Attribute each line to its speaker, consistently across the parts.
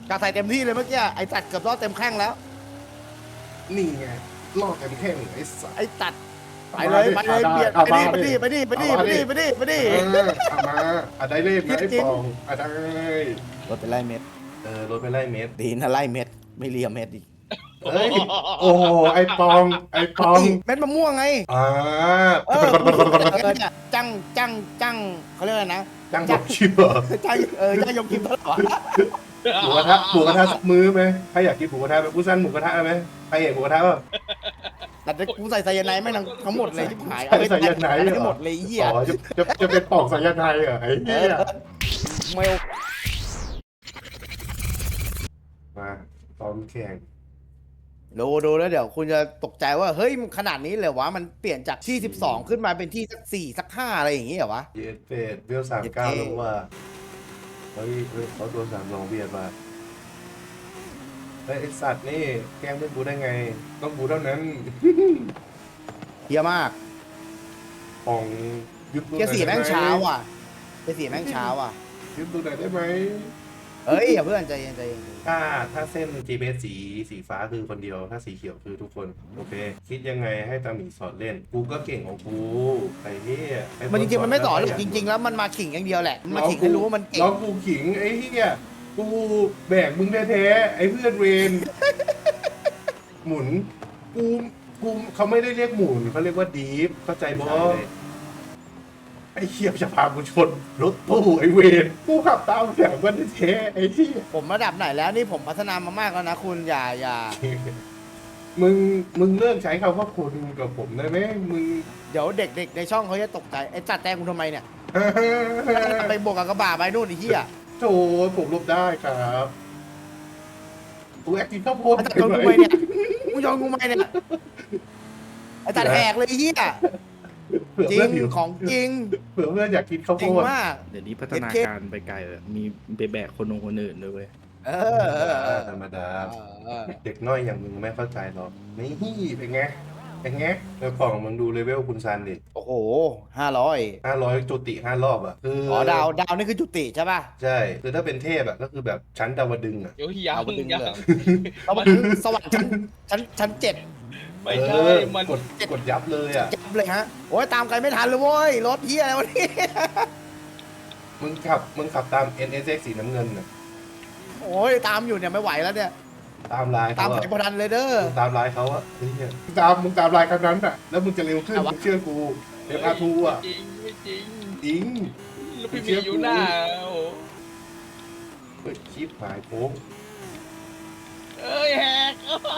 Speaker 1: กาใส่เต็มที่เลยเมื่อกี้ไอ้ตัดเกือบรอดเต็มแข้งแล้ว
Speaker 2: นี่ไงลอกกันแข้งไอ้สัส
Speaker 1: ไอ้ตัดไปเลยไปเลยเบียดไปดิไปดิไปดิไปดิไปดิไปดิไปดิ
Speaker 2: เอามาได้เล่นนะไอ้ปองได้
Speaker 1: รถไปไล่เม็ด
Speaker 2: รถไปไล่เม็ด
Speaker 1: ดีนะไล่เม็ดไม่เลียเม็ดอีก
Speaker 2: เฮ้ยโอ้โหไอ้ปอง
Speaker 1: เม็ดมะม่วงไง
Speaker 2: อ่า
Speaker 1: เนี่ยจังเขาเรียกอะไรนะ
Speaker 2: จังบอกชิบเหรอ
Speaker 1: จังจังยกคิมตลอด
Speaker 2: หมูกระทะสักมื้อไหมใครอยากกินหมูกระทะไหมกูสั่งหมูกระทะไหมใครเห็นหมูกระทะป่ะ
Speaker 1: แต่กูใส่ไซยาไนด์ไม่ทั้งหมดเลยที่หาย
Speaker 2: ใส่ไซยาไนด์เหรอ
Speaker 1: ทั้งหมดเลยเหี้ย
Speaker 2: อ๋อจะเป็นปอกสายไทยเหรอไอ้เหี้ย
Speaker 1: เมล
Speaker 2: มาตอนแข่ง
Speaker 1: ดูแล้วเดี๋ยวคุณจะตกใจว่าเฮ้ยมันขนาดนี้เลยวะมันเปลี่ยนจากที่12ขึ้นมาเป็นที่สัก4สัก5อะไรอย่างงี้เหรอวะ
Speaker 2: เยสเฟดเวล39แล้วว่าเฮ้ยเขาตัว32เบียดมาไอ้สัตว์นี่แกล้งเพื่อนกูได้ไงต้องกูเท่านั้น
Speaker 1: เฮียมาก
Speaker 2: ปองยุบตัว
Speaker 1: เกียร์สี่แม่งเช้าอ่ะเกียร์สี่แม่งเช้าอ่ะ
Speaker 2: ยุบตัวไหนได้ไหม
Speaker 1: เฮ้ยอย่าเพื่อนใจเย็นใจเย็น
Speaker 2: ถ้าเส้น GPS สีฟ้าคือคนเดียวถ้าสีเขียวคือทุกคนโอเคคิดยังไงให้ตาหมีสอนเล่นกูก็เก่งของกูไอ้เหี้ย
Speaker 1: มันจริงๆมันไม่สอนหรอกจริง ๆ แล้วมันมาขิงอย่างเดียวแหละมันมาขิงให้รู้ว่ามันเก่ง
Speaker 2: น้องกูขิงไอ้เหี้ยกูแบกมึงแท้ๆไอ้เพื่อนเวร หมุนกูเขาไม่ได้เรียกหมุนเขาเรียกว่าดีฟเข้าใจบอไอ้เหี้ยจะพากูชนรถตู้ไอ้เวรกูขับตามแถวมันแท้ๆไอ้เหี้ย
Speaker 1: ผมระดับไหนแล้วนี่ผมพัฒนามามากแล้วนะคุณอย่า
Speaker 2: มึงเลิกใช้คำว่าคุณกับผมได้ไหมมึง
Speaker 1: เดี๋ยวเด็กๆในช่องเขาจะตกใจไอ้จัดแตงคุณทำไมเนี่ยไปบวกกับกระบะไปนู่นไอ้เหี้ย
Speaker 2: โถผมลบได้ครับกูแอคกินข้าวโพด
Speaker 1: ไอ้จัดโดนกูไหมเนี่ยกูโยนกูไหมเนี่ยไอ้จัดแหกเลยไอ้เหี้ย
Speaker 2: เผื่อ
Speaker 1: จริ
Speaker 2: เพื่อนหิ
Speaker 1: ง
Speaker 2: ว
Speaker 1: ของจริง
Speaker 2: เผื่อเพื่อนอยากกินข้าว
Speaker 1: จ
Speaker 2: โพ
Speaker 1: ริง
Speaker 2: ด
Speaker 1: มาก
Speaker 3: เดี๋ยวนี้พัฒนาการไปไกลเลยมีไปแบกคนอื่นด้วยเว้ย
Speaker 1: เออ
Speaker 2: ธรรมดาเด็กน้อยอย่างมึงไม่เข้าใจหรอกนี่เป็นไงเป็นไงแล้วของมึงดูเลเวลคุณซันดิ
Speaker 1: โอ้โห500
Speaker 2: 500จุติ5 รอบอ่ะคือ
Speaker 1: อ๋อดาวนี่คือจุติใช่ป่ะ
Speaker 2: ใช่คือถ้าเป็นเทพอ่ะก็คือแบบชั้นดาวดึงส์อ่ะ
Speaker 4: เดี๋ยวยั
Speaker 1: เอา
Speaker 4: ง
Speaker 1: ไปดึง
Speaker 4: ยัง
Speaker 1: เลยเราไปสวรรค์ชั้น7
Speaker 4: ไม่ใช่ มัน
Speaker 2: กดยับเลยอ่ะ
Speaker 1: จับเลยฮะโอ้ยตามใครไม่ทันเลยเว้ยรถเหี้ยอะไรวะนี่
Speaker 2: มึงขับตาม NSX สีน้ำเงินอ่ะ
Speaker 1: โอ้ยตามอยู่เนี่ยไม่ไหวแล้วเนี่ย
Speaker 2: ตามลาย
Speaker 1: ตาม
Speaker 2: เขา
Speaker 1: ใคร
Speaker 2: อะ
Speaker 1: พอทันเลยเด้อ
Speaker 2: มึงตามลายเขาอะเฮ้ยมึงตามลายกันนั้นอ่ะแล้วมึงจะเร็วขึ้น
Speaker 1: เอาวะ
Speaker 2: มึงเชื่อกูเอ็มอาร์ทูอ่ะ
Speaker 4: จริงไม่จริง
Speaker 2: จริง
Speaker 4: แล้วพี่มีอยู่หน้าโอ้โห
Speaker 2: เฮ้ยชิปหายโค้ง
Speaker 4: เอ้ยแหก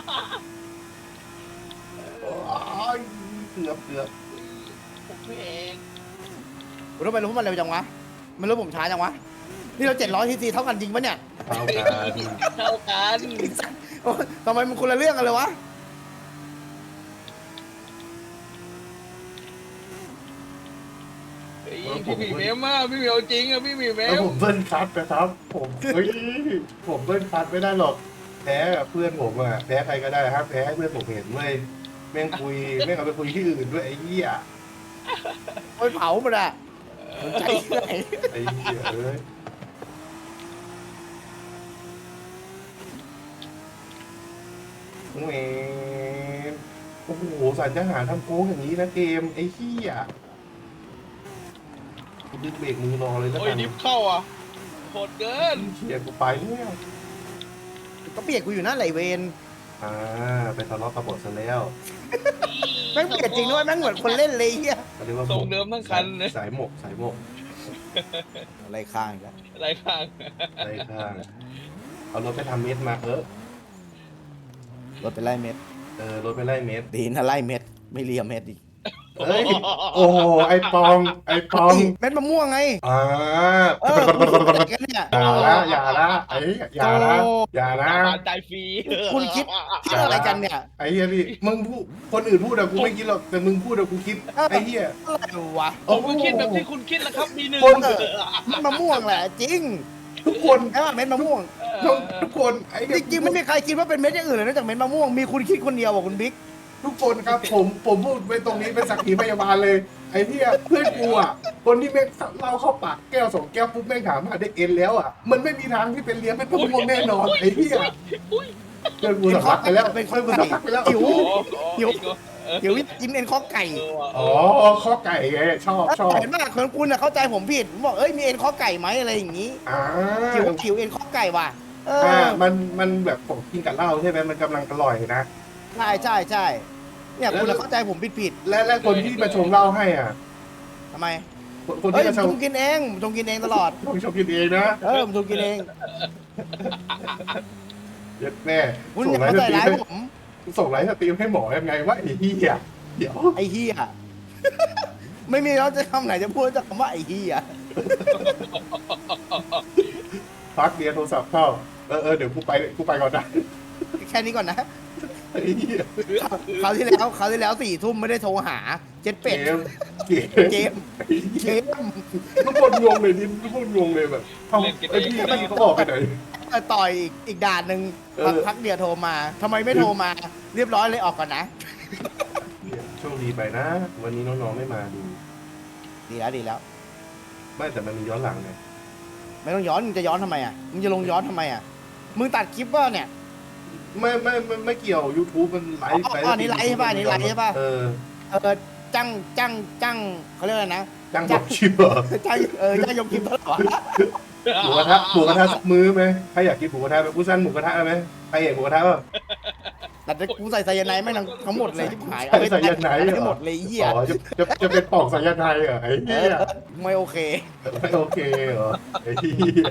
Speaker 2: โอ้ยเกือบ
Speaker 4: ผมเอง
Speaker 1: ผมทำไมรู้ว่ามันเร็วจังวะมันรู้ผมช้าจังวะนี่เรา700 cc เท่ากันจริงปะเนี่ย
Speaker 2: เท่ากัน
Speaker 4: เท่ากัน
Speaker 1: โอ้ยทำไมมันคนละเรื่องกันเลยวะ
Speaker 4: เฮ้ยพี่หมีเมมอ่ะพี่หมีเอาจริงอ่ะพี่หมีเม
Speaker 2: แล้ว
Speaker 4: ม
Speaker 2: ผมเบิ้ลคัทนะครับผมผมเบิ้ลคัทไม่ได้หรอกแพ้เพื่อนผมอะแพ้ใครก็ได้ครับแพ้ให้เพื่อนผมเห็นเว้ยแม่งคุยแม่งเอาไปคุยที่อื่นด้วยไอ้เหี้ย
Speaker 1: โอ้ยเผามันอะสนใจที่ไหน
Speaker 2: ไอ้เหี้ยเอ้ยแหมโอ้โหสันจะหาทำโค้งอย่างนี้นะเกมไอ้เหี้ยกูดึงเบรกมือรอเลยแล้ว
Speaker 4: โอ้ย
Speaker 2: กัน
Speaker 4: ดิฟเข้าอ่ะโหดเกิน
Speaker 2: เหี้ยกูไปแล้ว
Speaker 1: ก็เปียกกูอยู่นั่นไหลเวน
Speaker 2: ไปทะเลาะกับบทซะแล้ว
Speaker 1: แม่งเปียกจริงด้วยแม่งเหมือนคนเล่นเลยเฮีย
Speaker 2: เขาเรียกว่า
Speaker 4: ทรงเดิมทั้งคันเลย
Speaker 2: สายหมก
Speaker 1: อะไรข้างอีกแล้ว
Speaker 4: อะไรข้าง
Speaker 2: อะไรข้างเอารถไปทำเม็ดมา
Speaker 1: รถไปไล่เม็ด
Speaker 2: รถไปไล่เม็ด
Speaker 1: ดีนะไล่เม็ดไม่เลียเม็ดอีก
Speaker 2: เฮ้ยโอ้โหไอ้ปอง
Speaker 1: เม็ดมะม่วงไง
Speaker 2: อ่า
Speaker 1: กันเนี่ย
Speaker 2: อย่าละอย่าละ
Speaker 4: ปานใจฟรี
Speaker 1: คุณคิดอะไรกันเนี่ย
Speaker 2: ไอ้เหี้ยพี่มึงพูดคนอื่นพูดอะกูไม่คิดหรอกแต่มึงพูดอะกูคิดไอ้เหี้ย
Speaker 1: อะไรวะ
Speaker 4: ผมก็คิดแบบที่คุณคิดแหละครับมีหนึ่ง
Speaker 1: เม็ดมะม่วงแหละจริง
Speaker 2: ทุกคน
Speaker 1: ใช่ป่ะเม็ดมะม่วง
Speaker 2: ทุกคนไอ้
Speaker 1: จริงๆไม่มีใครคิดว่าเป็นเม็ดอย่างอื่นเลยนอกจากเม็ดมะม่วงมีคุณคิดคนเดียวบอกคุณบิ๊ก
Speaker 2: ทุกคนครับผมพูดไว้ตรงนี้เป็นสักขีพยาบาลเลยไอ้ที่เพื่อนกูอ่ะคนที่แม่งเล่าเข้าปากแก้วสองแก้วปุ๊บแม่งถามหาได้เอ็นแล้วอ่ะมันไม่มีทางที่เป็นเลี้ยงเป็นพวกม่วงแน่นอนไอ้ที่เพื่อนกูสัมผัสไปแล้ว
Speaker 1: เป็นคน
Speaker 2: สัมผัสไปแล้ว
Speaker 1: หิว
Speaker 4: หิว
Speaker 1: เดี๋ยวกินเอ็นข้อไก่
Speaker 2: อ๋อข้อไก่ไงชอบ
Speaker 1: เห็นป่ะคนคุณน่ะเข้าใจผมผิดผมบอกเอ้ยมีเอ็นข้อไก่ไหมอะไรอย่างงี้
Speaker 2: อ่า
Speaker 1: หิวเอ็นข้อไก่ว่ะ
Speaker 2: มันแบบผมกินกับเหล้าใช่ไหมมันกำลังอร่อยนะ
Speaker 1: ใช่เนี่ยคุณน่ะเข้าใจผมผิด
Speaker 2: และคนที่มาชงเหล้าให้อ่ะ
Speaker 1: ทำไม
Speaker 2: คน
Speaker 1: เฮ้
Speaker 2: ที่
Speaker 1: ย
Speaker 2: มาช
Speaker 1: ผ
Speaker 2: ง
Speaker 1: มกินเองผมกินเองตลอด
Speaker 2: ชงกินเองนะ
Speaker 1: ผมกินเอง
Speaker 2: เย็ดแม่
Speaker 1: คุณ
Speaker 2: ส่
Speaker 1: อง ย่า
Speaker 2: ไล
Speaker 1: เข้า
Speaker 2: ฟ์ส
Speaker 1: ใจ
Speaker 2: ตรีม
Speaker 1: ร้าย
Speaker 2: ให้
Speaker 1: ผม
Speaker 2: ส่งไลฟ์สตรีมให้หมอยังไงวะไอ้เหี้ยเดี๋ยว
Speaker 1: ไอ้เฮียไม่มีแล้วจะคำไหนจะพูดจากคำว่าไอ้เฮีย
Speaker 2: พักเรียนโทรศัพท์เข้าเดี๋ยวกูไปก่อนนะ
Speaker 1: แค่นี้ก่อนนะ
Speaker 2: ไอ้เหี้ย
Speaker 1: คราวที่แล้ว4 ทุ่มไม่ได้โทรหาเจ็ดเป็ด
Speaker 2: เกม
Speaker 1: เกม
Speaker 2: ทุกคนงงเลยดิทุกคนงงเลยแบบเอ้าไอ้พี่เขาออกไปไหน
Speaker 1: ต่อยอีกด่านหนึ่ง พักเดียวโทรมาทำไมไม่โทรมาเรียบร้อยเลยออกก่อนนะ
Speaker 2: เนี่ยโชคดีไปนะ วันนี้น้องๆไม่มาดู
Speaker 1: ดีแล้ว
Speaker 2: ไม่แต่มันมีย้อนหลังไง
Speaker 1: ไม่ต้องย้อนมึงจะย้อนทำไมอ่ะมึงจะลงย้อนทำไมอ่ะมึงตัดคลิปว่าเนี่ย
Speaker 2: ไม่เกี่ยว YouTube มันไลฟ์
Speaker 1: อ๋อนี่ไลฟ์ใช่ป่ะนี่ไลฟ์ใช่ป่ะ จังเขาเรียกอะไรนะ
Speaker 2: จังหวะชิปเหรอ
Speaker 1: จ้างยกคลิปตลอด
Speaker 2: หมูกระทะสักมื้อไหมใครอยากกินหมูกระทะไหมกูสั่นหมูกระทะไหมใครเห็นหมูกระทะป่ะ
Speaker 1: แต่กูใส่ไซยาไนด์ไม่ทั้งหมดเลยที่หาย
Speaker 2: ใส่ไซยาไนด์เหรอ
Speaker 1: ให้หมดเลยเหี้ย
Speaker 2: อ๋อจะเป็นปอกสายไทยเหรอไอ้เหี้ย
Speaker 1: ไม่โอเค
Speaker 2: ไม่โอเคเหรอไอ้เหี้ย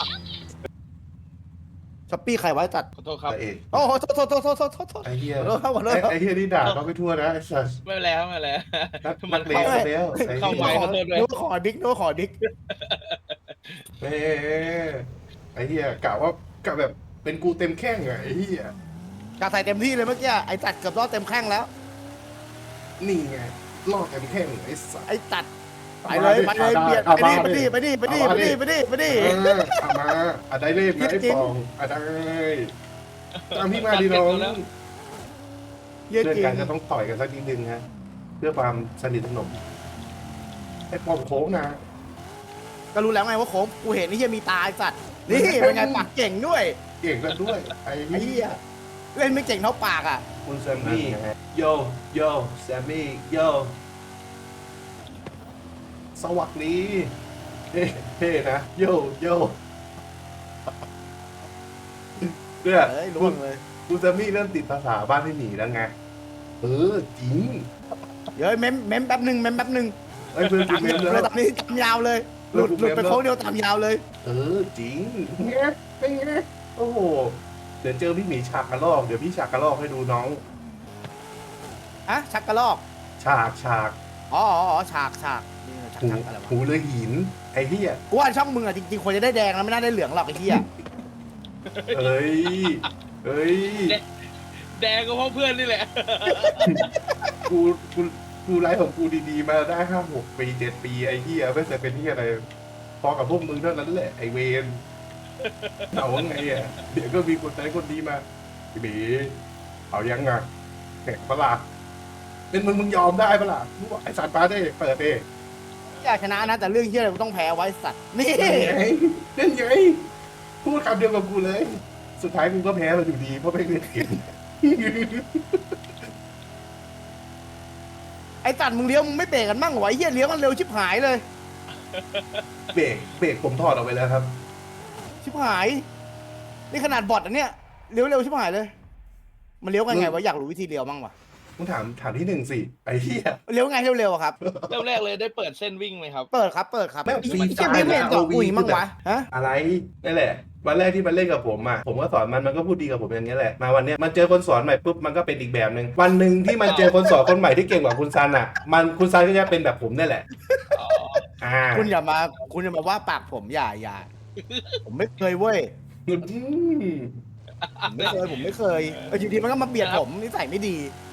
Speaker 1: ช้อปปี้ใครไว้ตัด
Speaker 4: ขอโทษครับ
Speaker 2: แต่เอก
Speaker 1: โอ้โหโทษ
Speaker 2: ไอ้เหี้ย
Speaker 1: ขอโทษ
Speaker 2: ไอ้เหี้ยนี่ด่าเขาไปทั่วนะไอ้สัส
Speaker 4: ไม่เป็นไรครับไม่เป็นไร
Speaker 2: นักเลงซะแล้วไอ้
Speaker 4: เข้า
Speaker 2: เหี้ย
Speaker 4: ไว้
Speaker 1: นึกว่าขอดิ๊ก
Speaker 2: แม่ไอ้เหี้ยกะแบบเป็นกูเต็มแข้งอะไอ้เหี้ย
Speaker 1: กาใส่เต็มที่เลยเมื่อกี้ไอ้ตัดเกือบรอดเต็มแข้งแล้ว
Speaker 2: นี่ไงล่อเต็มแข้งไอ้สัส
Speaker 1: ไอ้ตัดไปเลยเบียดไปดิไปดิ
Speaker 2: เอามาได้เล่มนะไอ้ปองได้ตามพี่มาดีน้อง
Speaker 1: เยี่ย
Speaker 2: เรื่อง
Speaker 1: จริง
Speaker 2: การจะต้องต่อยกันสักนิดนึงฮะเพื่อความสนิทสนมไอ้ปองโค้งนะ
Speaker 1: ก็รู้แล้วไงว่าโค้งกูเห็นนี่ยังมีตาไอ้สัตว์นี่เป็นไงปากเก่งด้วย
Speaker 2: เก่งกันด้วยไอ้
Speaker 1: ไอ้เหี้ยเล่นไม่เก่งเท่าปากอ่ะ
Speaker 2: คุณแซมมี่โยแซมมี่โยสวัสดีเท่นะโยเนี่ย
Speaker 1: เอ้ยล่วงเลย
Speaker 2: คุณแซมมี่เริ่มติดภาษาบ้านที่หนีแล้วไงจริง
Speaker 1: เดี๋ยวเม้มแป๊บหนึ่ง
Speaker 2: ไอ้เพื่อนกู
Speaker 1: ตาม
Speaker 2: เม
Speaker 1: ยาม ว
Speaker 2: แล้ว
Speaker 1: เลยตอนนี้ตามยาวเลยหลุดไปโค้งเดียวตามยาวเลย
Speaker 2: จริงไงเป็นไงโอ้โหเดี๋ยวเจอพี่หมีฉากกระลอกเดี๋ยวพี่ฉากกระลอกให้ดูน้อง
Speaker 1: อะชักกระลอก
Speaker 2: ฉาก
Speaker 1: อ๋อฉากนี่ฉากอะไรวะ
Speaker 2: หูเลยหินไอ้เหี้ย
Speaker 1: กูว่าช่องมึงอ่ะจริงๆควรจะได้แดงแล้วไม่น่าได้เหลืองหรอกไอ้เหี้ย
Speaker 2: เอ้ย
Speaker 4: แดงก็เพราะเพื่อนนี่แหละ
Speaker 2: กูไลฟ์ของกูดีๆมาได้5-6 ปี7 ปีไอ้เหี้ยไม่เคยเป็นเหี้ยอะไรพอกับพวกมึงเท่านั้นแหละไอ้เวนเอาไงอ่ะเดี๋ยวก็มีคนใจคนดีมาพี่บีเอายังอ่ะแข่งปะล่ะเป็นมึงยอมได้ปะล่ะมึงบอกไอ้สัตว์ปาได้เปิดเอง
Speaker 1: อยากชนะนะแต่เรื่องเหี้ยอะไรกูต้องแพ้ไว้สัตว์นี่
Speaker 2: เล่นไงพูดคำเดียวกับกูเลย สุดท้ายกูก็แพ้มาอยู่ดีเพราะไม่เล่นเกม
Speaker 1: ไอ้ตัดมึงเลี้ยวมึงไม่เบรกกันมั่งเหรอไอ้เหี้ยเลี้ยวมันเร็วชิบหายเลย
Speaker 2: เบรกผมถอดออกไปแล้วครับ
Speaker 1: ชิบหายนี่ขนาดบอทอันเนี้ยเลี้ยวเร็วชิบหายเลย มันเลี้ยวกันไงวะอยากรู้วิธีเลี้ยวมั่งวะ
Speaker 2: มึงถามที่หนึ่งสิไอ้เหี้ย
Speaker 1: เลี้ยวไงเร็วๆอะครับ
Speaker 4: เริ่มแรกเลยได้เปิดเส้นวิ่งไหมครับ
Speaker 1: เปิดครับ
Speaker 2: แม่งฟรี
Speaker 1: เชี่ยไม่เห็นต่อกุยมั่งวะฮะ
Speaker 2: อะไรนั่นแหละ วันแรกที่มันเล่นกับผมอ่ะผมก็สอนมันก็พูดดีกับผมอย่างเงี้ยแหละมาวันเนี้ยมันเจอคนสอนใหม่ปุ๊บมันก็เป็นอีกแบบหนึ่งวันหนึ่งที่มันเจอคนสอนคนใหม่ที่เก่งกว่าคุณซันอ่ะคุณซันก็จะเป็นแบบผมนี่แหละ
Speaker 1: คุณอย่ามาว่าปากผมอย่าผมไม่เคยเว้ย
Speaker 2: อืม
Speaker 1: ผมไม่เคยอยู่ดีมันก็มาเบียดผมนิสัยไม่ดี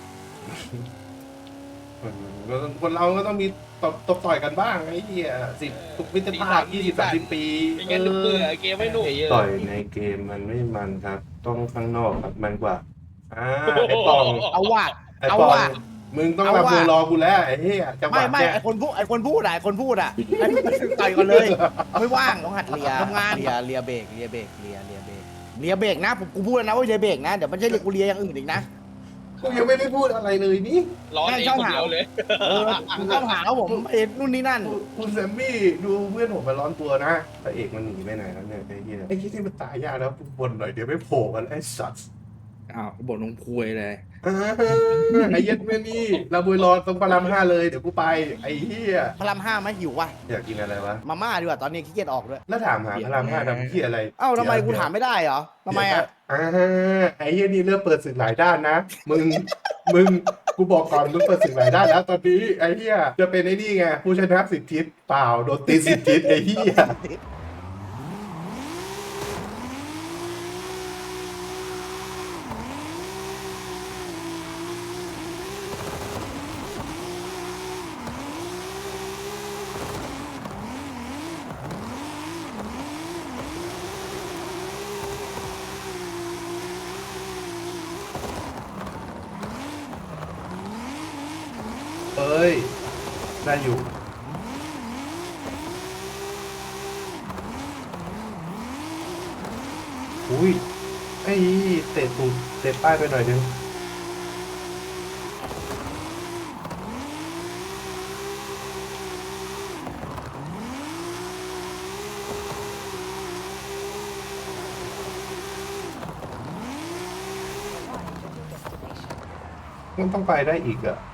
Speaker 2: คนเราก็ต้องมีตบต่อยกันบ้างไอ้เหี้ย10 มิตรภาพ20-30 ปี
Speaker 4: ไม่งั้นเบื่อเกมไม่หนุก
Speaker 2: ต่อยในเกมมันไม่มันครับ ต้องข้างนอกครับมันกว่าไอ้ปอง
Speaker 1: เอาว่ะ
Speaker 2: ไอ้ปองมึงต้องรับมือรอกูแล้วไอ้เหี้ยจังหวะ
Speaker 1: ไม่
Speaker 2: แจ้
Speaker 1: ไอคนพูดไอคนพูดอะไอคนพูดอะไอ้ต่อยกันเลยไม่ว่างต้องหัดเลียทำงานเลียเบรกเลียเบรกเลียเบรกเลียเบรกนะผมกูพูดแล้วนะว่าเลียเบรกนะเดี๋ยวมันจะเรียกกูเลียอย่างอื่นอีกนะ
Speaker 2: กูยังไม่ได้พูดอะไรเลยนี่
Speaker 4: ร้อนเองคนเดียวเลย
Speaker 1: มึงต้องหาว่าผมเอ็ดนู่นนี่นั่น
Speaker 2: คุณแซมมี่ดูเพื่อนผมมาร้อนตัวนะพระเอกมันหนีไปไหนแล้วเนี่ยไอ้เหี้ยไอ้ที่มันตายยากแล้วบนหน่อยเดี๋ยวไม่โผล่กันไอ้สัตว์
Speaker 3: อ้าวบ่นลงคุยเลย
Speaker 2: ไอ้เหี้ย็ดแม่นี่เราบุยรอตรงพระราม5เลยเดี๋ยวกูไปไอ้เหี้ย
Speaker 1: พระราม5ไหมหิววะ
Speaker 2: อยากกินอะไรวะ
Speaker 1: มาม่าดีกว่าตอนนี้ขี้เกียจออกด้วย
Speaker 2: แล้วถามหาพระราม5ทำเหี้ยอะไร
Speaker 1: เอ้าทำไมกูถามไม่ได้เหรอทำไมอะ
Speaker 2: ไอ้เหี้ยนี่เริ่มเปิดศึกหลายด้านนะมึงกูบอกก่อนมึงเปิดศึกหลายด้านแล้วตอนนี้ไอ้เหี้ยจะเป็นไอ้นี่ไงผู้ชนะ10 ทิศเปล่าโดนตี10 ทิศไอ้เหี้ย เอ้ย ได้อยู่ อุ้ย ไอ้เตะตูดเตะป้ายไปหน่อยนึงมันต้องไปได้อีกอะ